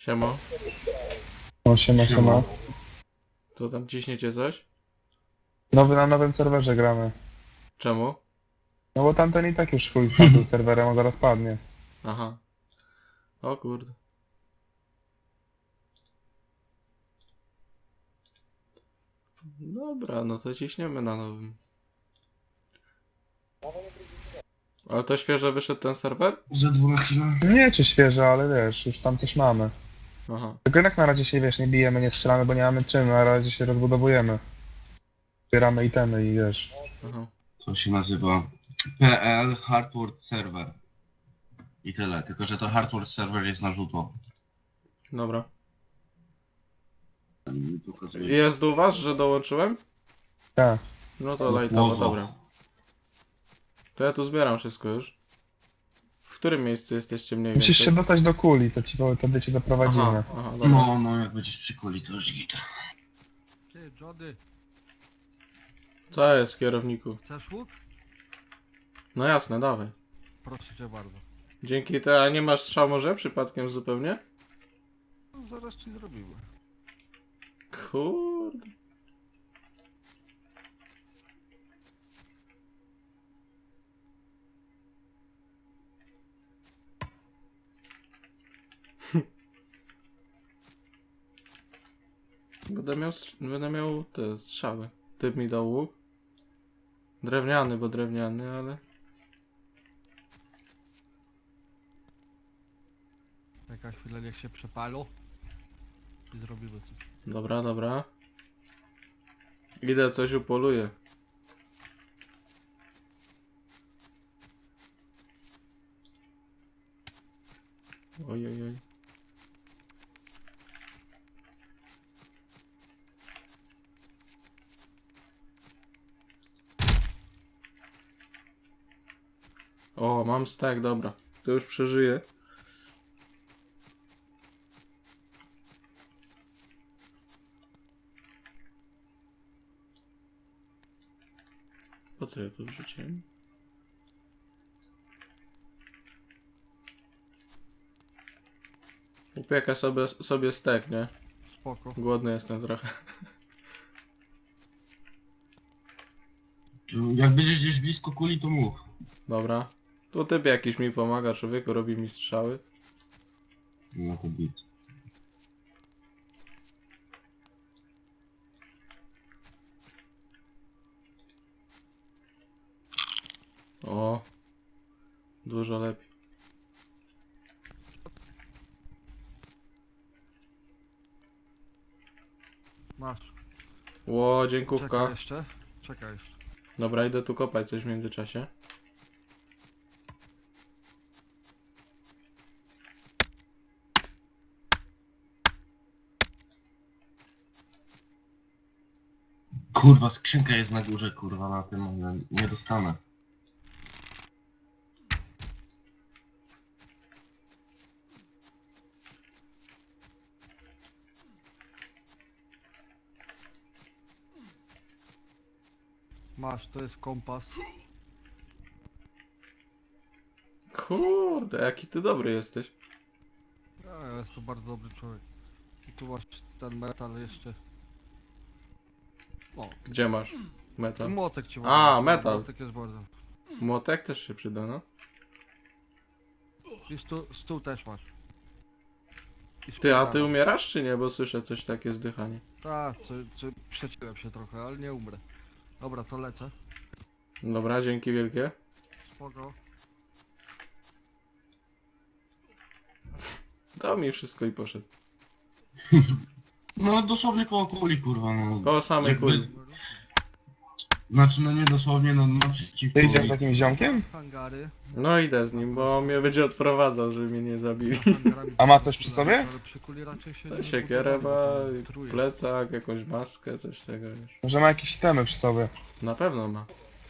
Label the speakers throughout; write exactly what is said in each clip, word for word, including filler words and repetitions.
Speaker 1: Siemo.
Speaker 2: O, siema, siema.
Speaker 1: To tam ciśniecie coś?
Speaker 2: Nowy na nowym serwerze gramy.
Speaker 1: Czemu?
Speaker 2: No bo tamten i tak już chuj z tamtym serwerem, on zaraz padnie.
Speaker 1: Aha. O kurde. Dobra, no to ciśniemy na nowym. Ale to świeżo wyszedł ten serwer?
Speaker 3: Za dwa chwilę.
Speaker 2: Nie czy świeże, ale wiesz, już tam coś mamy.
Speaker 1: Aha.
Speaker 2: Tylko jednak na razie się, wiesz, nie bijemy, nie strzelamy, bo nie mamy czym, na razie się rozbudowujemy. Zbieramy itemy i wiesz.
Speaker 1: Aha.
Speaker 3: To się nazywa P L Hardware Server. I tyle, tylko że to Hardware Server jest na żółto.
Speaker 1: Dobra.
Speaker 3: Mi pokazuje.
Speaker 1: Jest u was, że dołączyłem?
Speaker 2: Tak.
Speaker 1: No to lajtowo,
Speaker 3: Łowo.
Speaker 1: dobra. To ja tu zbieram wszystko już. W którym miejscu jesteście mniej
Speaker 2: Musisz
Speaker 1: więcej?
Speaker 2: się dostać do kuli, to ci wtedy cię zaprowadzimy.
Speaker 1: Aha, aha, dobra.
Speaker 3: No, no, jak będziesz przy kuli, to już git.
Speaker 4: Ty, Jody,
Speaker 1: Co jest, kierowniku?
Speaker 4: chcesz łuk?
Speaker 1: No jasne, dawaj.
Speaker 4: Proszę cię bardzo.
Speaker 1: Dzięki te, a nie masz strzał może przypadkiem zupełnie?
Speaker 4: No, zaraz ci zrobimy.
Speaker 1: Kurde. Będę miał, str- będę miał te strzały. Typ mi dał łuk. Drewniany, bo drewniany, ale...
Speaker 4: Jaka chwila, niech się przepalą. I zrobimy coś.
Speaker 1: Dobra, dobra. Idę coś upoluję. Oj, oj, oj. O, mam stack, dobra. To już przeżyję. Po co ja to wrzuciłem? Upieka sobie, sobie stek, nie?
Speaker 4: Spoko.
Speaker 1: Głodny jestem trochę.
Speaker 3: Jak będziesz gdzieś blisko kuli, to mów.
Speaker 1: Dobra. Tu typ jakiś mi pomaga, człowieku, robi mi strzały.
Speaker 3: No to git.
Speaker 1: O. Dużo lepiej.
Speaker 4: Masz.
Speaker 1: Ło,
Speaker 4: Czekaj
Speaker 1: dziękówka.
Speaker 4: jeszcze. Czekaj jeszcze.
Speaker 1: Dobra, idę tu kopać coś w międzyczasie.
Speaker 3: Kurwa, skrzynka jest na górze, kurwa, na tym, ale nie dostanę.
Speaker 4: Masz, to jest kompas.
Speaker 1: Kurde, jaki ty dobry jesteś.
Speaker 4: Ja, ja jestem bardzo dobry człowiek. I tu masz ten metal jeszcze. O,
Speaker 1: Gdzie masz
Speaker 4: ten
Speaker 1: metal?
Speaker 4: młotek ci
Speaker 1: A,
Speaker 4: ładny.
Speaker 1: metal.
Speaker 4: Młotek jest bardzo.
Speaker 1: Młotek też się przyda, no.
Speaker 4: I stół, stół też masz. I
Speaker 1: Ty, a ty
Speaker 4: szpilka.
Speaker 1: umierasz czy nie? Bo słyszę coś takie zdychanie.
Speaker 4: Tak, co, co, przeciłem się trochę, ale nie umrę. Dobra, to lecę.
Speaker 1: Dobra, dzięki wielkie.
Speaker 4: Spoko.
Speaker 1: Dał mi wszystko i poszedł.
Speaker 3: No dosłownie koło kuli, kurwa, no.
Speaker 1: Koło samej
Speaker 3: Jakby-
Speaker 1: kuli.
Speaker 3: Znaczy, no nie dosłownie, no naprzeciwko.
Speaker 2: Ty idziesz z takim ziomkiem?
Speaker 4: Hangary.
Speaker 1: No idę z nim, bo on mnie będzie odprowadzał, żeby mnie nie zabili.
Speaker 4: Hangarami
Speaker 2: A ma coś przy sobie?
Speaker 4: Ale przy kuli raczej się nie
Speaker 1: No, siekierę
Speaker 4: budowali,
Speaker 1: ma,
Speaker 4: bo to truje.
Speaker 1: plecak, jakąś maskę, coś tego wiesz.
Speaker 2: Może ma jakieś itemy przy sobie.
Speaker 1: Na pewno ma.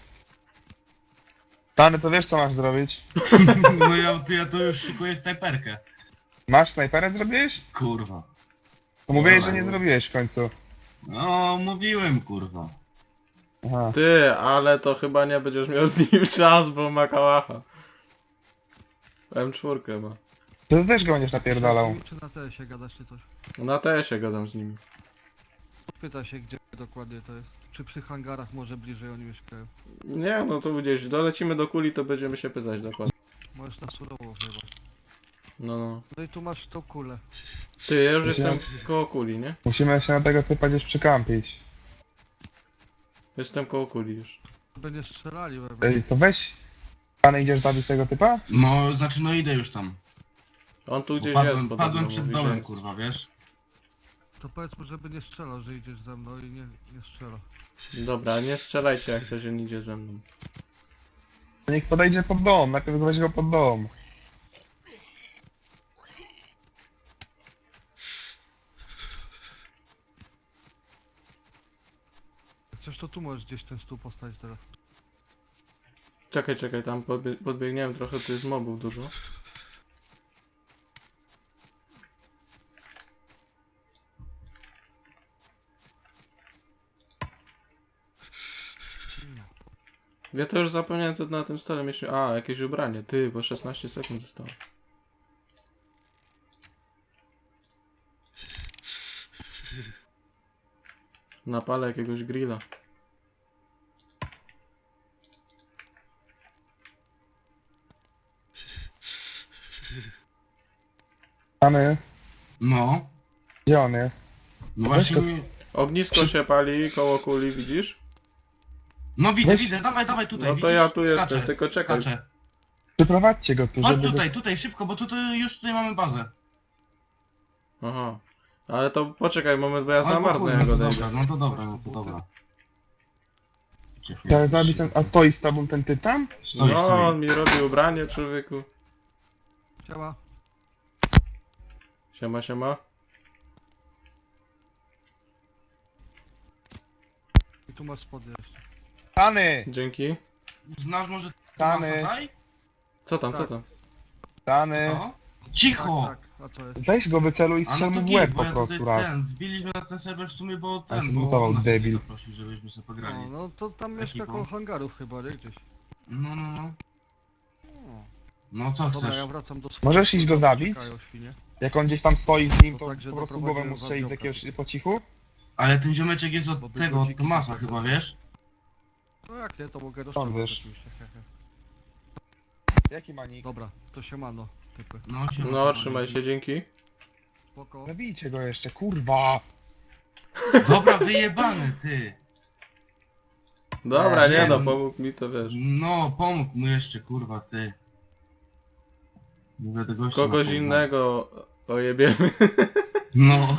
Speaker 2: Tany, to wiesz co masz zrobić?
Speaker 3: No ja, to ja to już szykuję snajperkę.
Speaker 2: Masz snajperę zrobiłeś?
Speaker 3: Kurwa.
Speaker 2: To mówiłeś, że
Speaker 3: Dobra.
Speaker 2: nie zrobiłeś w końcu.
Speaker 3: No, mówiłem, kurwa.
Speaker 2: Aha.
Speaker 1: Ty, ale to chyba nie będziesz miał z nim szans, bo ma kałacha. M cztery ma.
Speaker 2: To też go będziesz napierdalał.
Speaker 4: Czy na T S-ie gadasz czy coś?
Speaker 1: Na T S-ie gadam z nimi.
Speaker 4: Pyta się gdzie dokładnie to jest. Czy przy hangarach może bliżej oni mieszkają?
Speaker 1: Nie, no to gdzieś dolecimy do kuli, to będziemy się pytać dokładnie.
Speaker 4: Możesz na surowo chyba.
Speaker 1: No, no.
Speaker 4: No i tu masz tą kulę.
Speaker 1: Ty, ja już
Speaker 2: Myślałem-
Speaker 1: jestem koło kuli, nie?
Speaker 2: Musimy się na tego typa gdzieś przykampić.
Speaker 1: Jestem koło kuli już.
Speaker 4: Będzie strzelali we mnie.
Speaker 2: Ej, to weź. Pan idziesz zabić tego typa?
Speaker 3: No, znaczy no idę już tam.
Speaker 1: On tu
Speaker 3: Bo
Speaker 1: gdzieś
Speaker 3: Padłem,
Speaker 1: jest podobno.
Speaker 3: padłem przed
Speaker 1: mówi, że
Speaker 3: domem,
Speaker 1: jest.
Speaker 3: kurwa, wiesz?
Speaker 4: To powiedz mu, żeby nie strzelał, że idziesz ze mną i nie, nie strzela.
Speaker 1: Dobra, nie strzelajcie jak coś, on idzie ze mną.
Speaker 2: To niech podejdzie pod dom, najpierw weź go pod dom.
Speaker 4: Jak coś to tu możesz gdzieś ten stół postawić teraz.
Speaker 1: Czekaj, czekaj, tam podbie podbiegniemy trochę, tu jest mobów dużo. Ja to już zapomniałem co na tym stole mieliśmy. A, jakieś ubranie. Ty, bo szesnaście sekund zostało. Napalę jakiegoś grilla.
Speaker 2: Mamy.
Speaker 3: No.
Speaker 2: Gdzie on jest?
Speaker 3: No
Speaker 2: Weź
Speaker 3: właśnie...
Speaker 2: go-
Speaker 3: mi-
Speaker 1: Ognisko się pali koło kuli, widzisz?
Speaker 3: No widzę,
Speaker 2: Weź-
Speaker 3: widzę, dawaj, dawaj tutaj,
Speaker 1: No to
Speaker 3: widzisz?
Speaker 1: ja tu jestem,
Speaker 3: Skaczę,
Speaker 1: tylko czekaj.
Speaker 3: Skaczę.
Speaker 2: Przyprowadźcie go tu,
Speaker 3: Chodź
Speaker 2: żeby go...
Speaker 3: tutaj, tutaj, szybko, bo tutaj już tutaj mamy bazę.
Speaker 1: Aha. Ale to poczekaj moment, bo ja
Speaker 3: Albo
Speaker 1: zamarznę
Speaker 3: chuj,
Speaker 1: jak
Speaker 3: no to
Speaker 1: odejdę.
Speaker 3: dobra, no to dobra, no to dobra.
Speaker 2: Chciałem zabić ten... A stoi z tobą ten typ tam?
Speaker 3: Stoi,
Speaker 1: No,
Speaker 3: stoi.
Speaker 1: on mi robi ubranie, człowieku.
Speaker 4: Siema.
Speaker 1: Siema, siema.
Speaker 4: I tu masz spodnie jeszcze.
Speaker 2: Tany!
Speaker 1: Dzięki.
Speaker 3: Znasz może
Speaker 2: Tany.
Speaker 3: Tomasa Taj?
Speaker 1: Co tam, co
Speaker 4: Tak.
Speaker 1: tam?
Speaker 2: Tany!
Speaker 3: No. Cicho!
Speaker 4: Tak, tak. A co jest?
Speaker 2: Weź go wyceluj i
Speaker 3: A no
Speaker 2: strzel
Speaker 3: to
Speaker 2: mu w
Speaker 3: git,
Speaker 2: łeb
Speaker 3: bo
Speaker 2: po
Speaker 3: ja
Speaker 2: prostu
Speaker 3: tutaj
Speaker 2: raz.
Speaker 3: ten, wbiliśmy na ten serwer w sumie, bo
Speaker 2: A się
Speaker 3: ten, bo
Speaker 2: zmutował,
Speaker 3: on nas
Speaker 2: debil.
Speaker 3: zaprosił, żebyśmy sobie pograli.
Speaker 4: No, no to tam mieszka
Speaker 3: ekipą.
Speaker 4: koło hangarów chyba, nie? Gdzieś.
Speaker 3: No, no, no.
Speaker 4: No.
Speaker 3: No co
Speaker 4: Dobra,
Speaker 3: chcesz?
Speaker 4: ja wracam do swojego.
Speaker 2: Możesz iść go
Speaker 4: tam
Speaker 2: zabić?
Speaker 4: czekają świnie.
Speaker 2: Jak on gdzieś tam stoi z nim,
Speaker 4: No
Speaker 2: to
Speaker 4: tak, że
Speaker 2: po prostu
Speaker 4: doprowadziłem
Speaker 2: głowę mu
Speaker 4: was
Speaker 2: strzelić z
Speaker 4: do
Speaker 2: jakiegoś po cichu?
Speaker 3: Ale ten ziomeczek jest
Speaker 4: Bo
Speaker 3: od
Speaker 4: by
Speaker 3: tego, od
Speaker 4: godziki
Speaker 3: Tomasa
Speaker 4: poszedł.
Speaker 3: chyba, wiesz?
Speaker 4: No jak nie, to mogę
Speaker 2: Stąd
Speaker 4: rozstrzelać
Speaker 2: wiesz.
Speaker 4: oczywiście. he, he.
Speaker 2: Jaki manik?
Speaker 4: Dobra, to siemano, typy.
Speaker 3: No, się
Speaker 1: No, trzymaj się, dzięki.
Speaker 4: Spoko.
Speaker 2: Zabijcie go jeszcze, kurwa!
Speaker 3: Dobra, wyjebany, ty.
Speaker 1: Dobra,
Speaker 2: Nie,
Speaker 1: nie no,
Speaker 3: nie.
Speaker 1: pomógł mi to, wiesz.
Speaker 3: No, pomógł mu jeszcze, kurwa, ty. Nie będę gościa
Speaker 1: Kogoś
Speaker 3: napomniał.
Speaker 1: innego ojebiemy.
Speaker 3: No.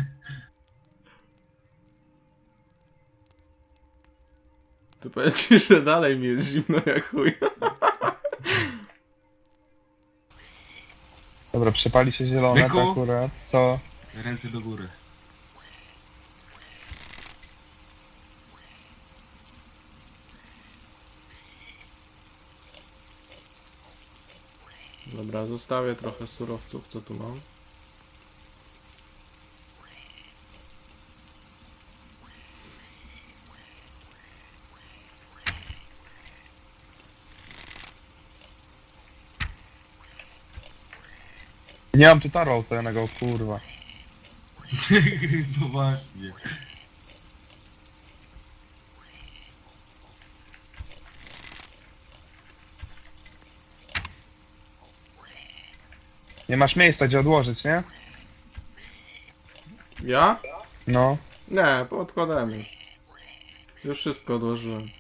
Speaker 1: Tu powiem ci, że dalej mi jest zimno jak chuj.
Speaker 2: Dobra, przepali się zielone
Speaker 3: Byku?
Speaker 2: to akurat. Co?
Speaker 3: Ręce do góry.
Speaker 1: Dobra, zostawię trochę surowców, co tu mam.
Speaker 2: Nie mam tu taro ustawionego, kurwa.
Speaker 3: No właśnie.
Speaker 2: Nie masz miejsca gdzie odłożyć, nie?
Speaker 1: Ja?
Speaker 2: No.
Speaker 1: Nie, podkładamy. Już wszystko odłożyłem.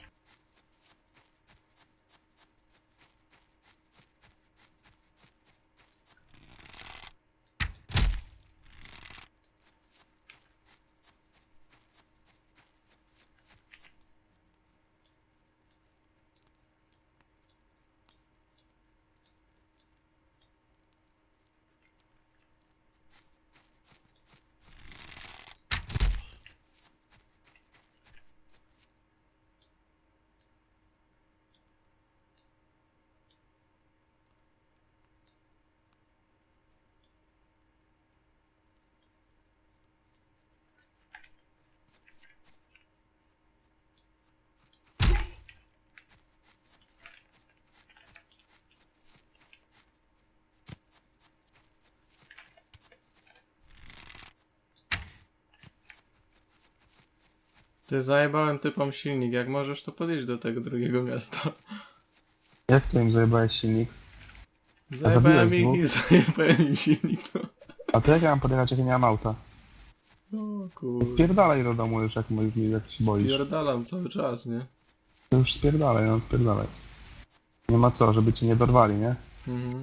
Speaker 1: Ty zajebałem typom silnik, jak możesz to podejść do tego drugiego miasta.
Speaker 2: Jak to im zajebałeś silnik?
Speaker 1: Zajebałem ich
Speaker 2: zabiłeś
Speaker 1: i zajebałem im silnik, no.
Speaker 2: A to jak ja mam podjechać, jak ja nie mam auta?
Speaker 1: No kurde.
Speaker 2: Spierdalaj do domu już, jak, mo- jak się boisz.
Speaker 1: Pierdalam cały czas, nie?
Speaker 2: To już spierdalaj, no spierdalaj. Nie ma co, żeby cię nie dorwali, nie?
Speaker 1: Mhm.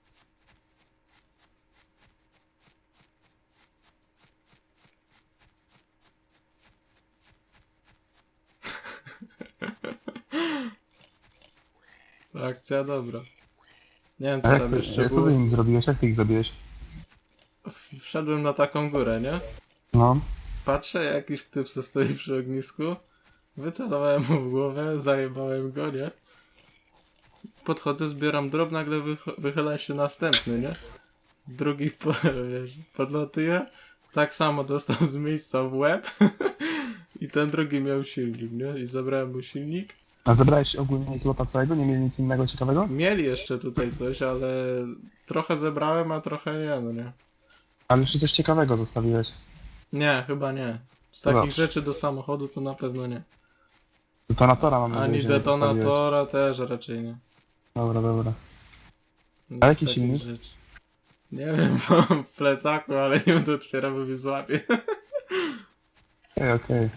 Speaker 1: Akcja dobra. Nie wiem
Speaker 2: A
Speaker 1: co
Speaker 2: jak
Speaker 1: tam
Speaker 2: ty,
Speaker 1: jeszcze
Speaker 2: jak co
Speaker 1: było.
Speaker 2: ty im zrobiłeś? Jak ty ich zabiłeś?
Speaker 1: W- Wszedłem na taką górę, nie?
Speaker 2: No.
Speaker 1: Patrzę, jakiś typ se stoi przy ognisku. Wycelowałem mu w głowę, zajebałem go, nie? Podchodzę, zbieram drób, nagle wych- wychyla się następny, nie? Drugi po, wiesz, podlatuje. Tak samo dostał z miejsca w łeb. I ten drugi miał silnik, nie? I zabrałem mu silnik.
Speaker 2: A zebrałeś ogólnie ich lota całego? Nie mieli nic innego ciekawego?
Speaker 1: Mieli jeszcze tutaj coś, ale trochę zebrałem, a trochę nie, no nie.
Speaker 2: Ale jeszcze coś ciekawego zostawiłeś.
Speaker 1: Nie, chyba nie. Z
Speaker 2: No
Speaker 1: takich
Speaker 2: dobrze.
Speaker 1: rzeczy do samochodu to na pewno nie.
Speaker 2: Detonatora mam nadzieję,
Speaker 1: Ani
Speaker 2: że nie zostawiłeś.
Speaker 1: detonatora też raczej nie.
Speaker 2: Dobra, dobra.
Speaker 1: Nic
Speaker 2: A jaki
Speaker 1: takich
Speaker 2: silnik?
Speaker 1: rzeczy. Nie wiem, mam w plecaku, ale nie będę otwierał, bo mnie złapie.
Speaker 2: Okej, okej.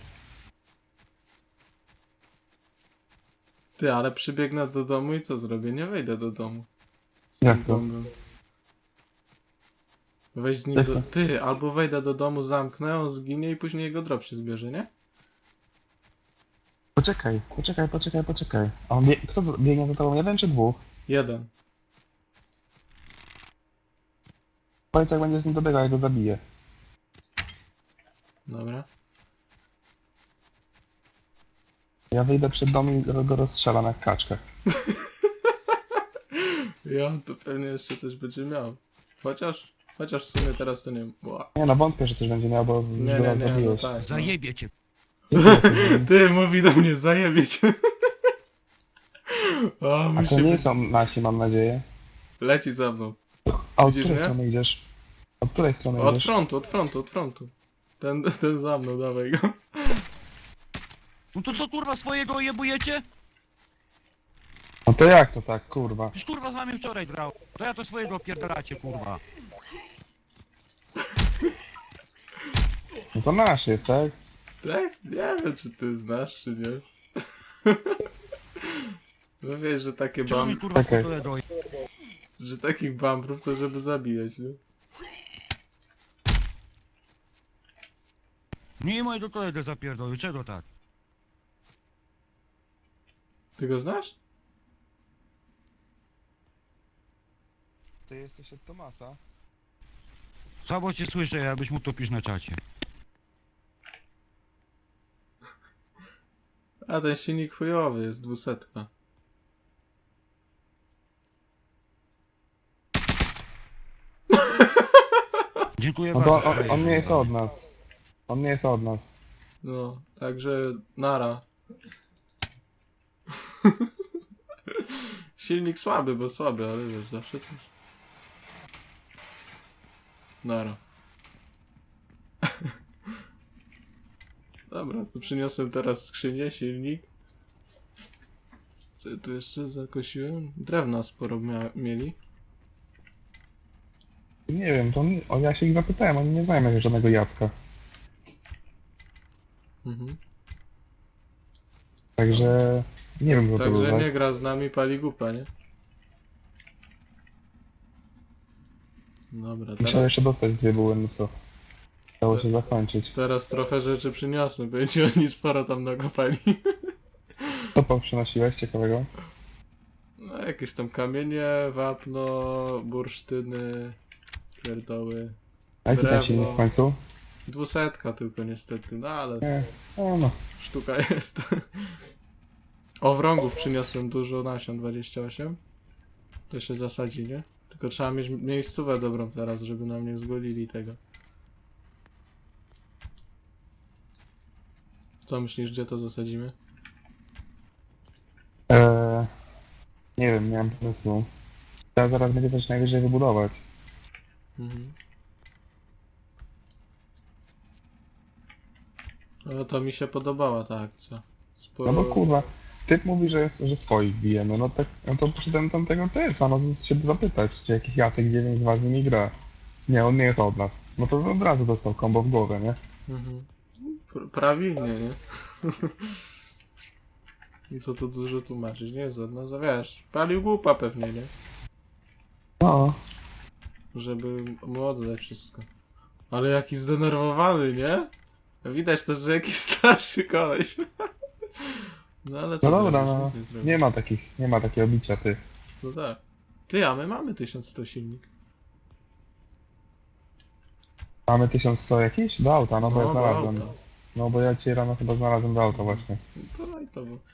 Speaker 1: Ty, ale przybiegnę do domu i co zrobię? Nie wejdę do domu. Z
Speaker 2: Jak
Speaker 1: tym
Speaker 2: to?
Speaker 1: bombem. Weź z nim
Speaker 2: Jak
Speaker 1: do...
Speaker 2: to?
Speaker 1: Ty, albo wejdę do domu, zamknę, on zginie i później jego drop się zbierze, nie?
Speaker 2: Poczekaj, poczekaj, poczekaj, poczekaj. A on bie... Kto z- biegnie za tobą? Jeden czy dwóch?
Speaker 1: Jeden.
Speaker 2: Powiedz, jak będzie z nim dobiegał, ja go zabiję.
Speaker 1: Dobra.
Speaker 2: Ja wyjdę przed dom i go go rozstrzelam jak kaczkę.
Speaker 1: Ja to pewnie jeszcze coś będzie miał. Chociaż, chociaż w sumie teraz to nie wiem. Ła.
Speaker 2: Nie no, wątpię, że coś będzie miał, bo już
Speaker 1: Nie,
Speaker 2: go
Speaker 1: nie,
Speaker 2: raz
Speaker 1: nie, no
Speaker 2: zabiłeś.
Speaker 1: tak. No.
Speaker 5: Zajebie cię.
Speaker 1: Ty, mówi do mnie, zajebieć. O,
Speaker 2: A
Speaker 1: musi
Speaker 2: to nie
Speaker 1: być...
Speaker 2: są nasi, mam nadzieję.
Speaker 1: Leci za mną.
Speaker 2: A od
Speaker 1: Widzisz
Speaker 2: której
Speaker 1: mnie?
Speaker 2: strony idziesz? Od której strony
Speaker 1: Od
Speaker 2: idziesz?
Speaker 1: frontu, od frontu, od frontu. Ten, ten za mną, dawaj go.
Speaker 5: No to co kurwa swojego jebujecie?
Speaker 2: No to jak to tak, kurwa?
Speaker 5: Już kurwa z nami wczoraj grał. To ja to swojego pierdalacie kurwa.
Speaker 2: No to nasz jest, tak?
Speaker 1: Tak? Nie wiem, czy ty znasz, czy nie. No wiesz, że takie
Speaker 5: Czemu mi
Speaker 1: bam...
Speaker 5: kurwa
Speaker 2: Czekaj.
Speaker 5: fotole doj?
Speaker 1: że takich bambrów to żeby zabijać, nie?
Speaker 5: Nie moje do kolega zapierdolił, czego tak?
Speaker 1: Ty go znasz?
Speaker 2: Ty jesteś od Tomasa?
Speaker 5: Słabo cię słyszę, jakbyś mógł to pisz na czacie.
Speaker 1: A ten silnik chujowy jest, dwusetka.
Speaker 5: Dziękuję
Speaker 2: No to
Speaker 5: bardzo.
Speaker 2: on, on nie jest od nas. On nie jest od nas.
Speaker 1: No, także nara. Silnik słaby, bo słaby, ale wiesz, zawsze coś. Nara. Dobra, to przyniosłem teraz skrzynię, silnik. Co ja tu jeszcze zakosiłem? Drewna sporo mia- mieli.
Speaker 2: Nie wiem, to on, o, ja się ich zapytałem, oni nie znają jakiegoś żadnego Jacka.
Speaker 1: Mhm.
Speaker 2: Także nie wiem, kto to był,
Speaker 1: Także
Speaker 2: tak?
Speaker 1: nie gra z nami, pali gupa, nie? Dobra,
Speaker 2: Musiałem
Speaker 1: teraz,
Speaker 2: jeszcze dostać dwie buły, no co? Dało się zakończyć.
Speaker 1: teraz trochę rzeczy przyniosłem, będzie oni sporo tam nakopali.
Speaker 2: Co tam przynosiłeś ciekawego?
Speaker 1: No, jakieś tam kamienie, wapno, bursztyny, pierdoły.
Speaker 2: A jaki ten
Speaker 1: Drewno.
Speaker 2: silnik w końcu?
Speaker 1: Dwusetka tylko niestety, no ale
Speaker 2: Nie, no, no.
Speaker 1: sztuka jest. Owrągów przyniosłem dużo nasion, dwadzieścia osiem. To się zasadzi, nie? Tylko trzeba mieć miejscówę dobrą teraz, żeby nam nie zgolili tego. Co myślisz, gdzie to zasadzimy?
Speaker 2: Eee, nie wiem, nie mam pomysłu. Trzeba zaraz będzie coś najwyżej wybudować.
Speaker 1: Mhm. No to mi się podobała ta akcja. Spo...
Speaker 2: No bo kurwa, typ mówi, że, jest, że swoich bijemy, no tak, no to poszedłem tamtego typa, no się zapytać, czy jakiś Jacek dziewięć z was z nimi gra. Nie, on nie jest od nas. No to od razu dostał kombo w głowę, nie?
Speaker 1: Mhm. Pr- Prawilnie, nie? I co tu dużo tłumaczyć, nie jest od nas, a wiesz, palił głupa pewnie, nie?
Speaker 2: No.
Speaker 1: Żeby mu oddać wszystko. Ale jaki zdenerwowany, nie? Widać też, że jakiś starszy koleś. No ale co
Speaker 2: No dobra,
Speaker 1: zrobisz?
Speaker 2: no.
Speaker 1: Nic nie zrobisz.
Speaker 2: Nie ma takich, nie ma takiego bicia, ty.
Speaker 1: No tak. Ty, a my mamy tysiąc sto silnik.
Speaker 2: Mamy tysiąc sto jakieś? Do auta, no bo
Speaker 1: No,
Speaker 2: ja
Speaker 1: do
Speaker 2: znalazłem.
Speaker 1: auta.
Speaker 2: No bo ja cię rano chyba znalazłem do auta właśnie.
Speaker 1: To no i to było.